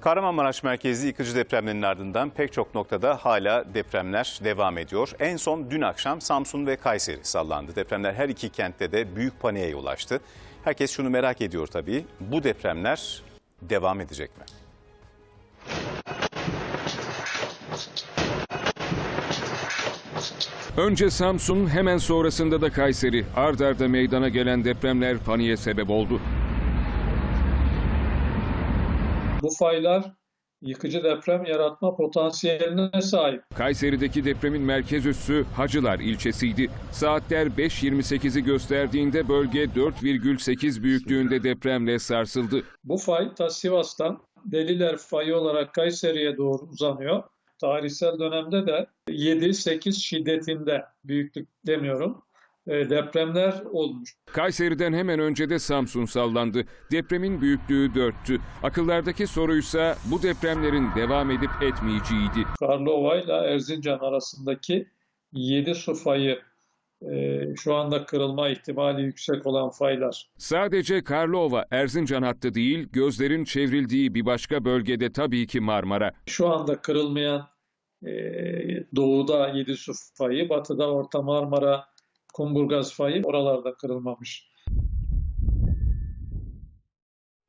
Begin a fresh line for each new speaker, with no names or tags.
Kahramanmaraş merkezli yıkıcı depremlerin ardından pek çok noktada hala depremler devam ediyor. En son dün akşam Samsun ve Kayseri sallandı. Depremler her iki kentte de büyük paniğe yol açtı. Herkes şunu merak ediyor tabii, bu depremler devam edecek mi?
Önce Samsun, hemen sonrasında da Kayseri. Ard arda meydana gelen depremler paniğe sebep oldu.
Bu faylar yıkıcı deprem yaratma potansiyeline sahip.
Kayseri'deki depremin merkez üssü Hacılar ilçesiydi. Saatler 5.28'i gösterdiğinde bölge 4,8 büyüklüğünde depremle sarsıldı.
Bu fay ta Sivas'tan Deliler fayı olarak Kayseri'ye doğru uzanıyor. Tarihsel dönemde de 7-8 şiddetinde, büyüklük demiyorum, depremler olmuş.
Kayseri'den hemen önce de Samsun sallandı. Depremin büyüklüğü 4'tü. Akıllardaki soruysa bu depremlerin devam edip etmeyeceğiydi.
Karlova ile Erzincan arasındaki 7 su fayı şu anda kırılma ihtimali yüksek olan faylar.
Sadece Karlova, Erzincan hattı değil, gözlerin çevrildiği bir başka bölgede tabii ki Marmara.
Şu anda kırılmayan doğuda 7 su fayı, batıda Orta Marmara, Kumburgaz fayı oralarda kırılmamış.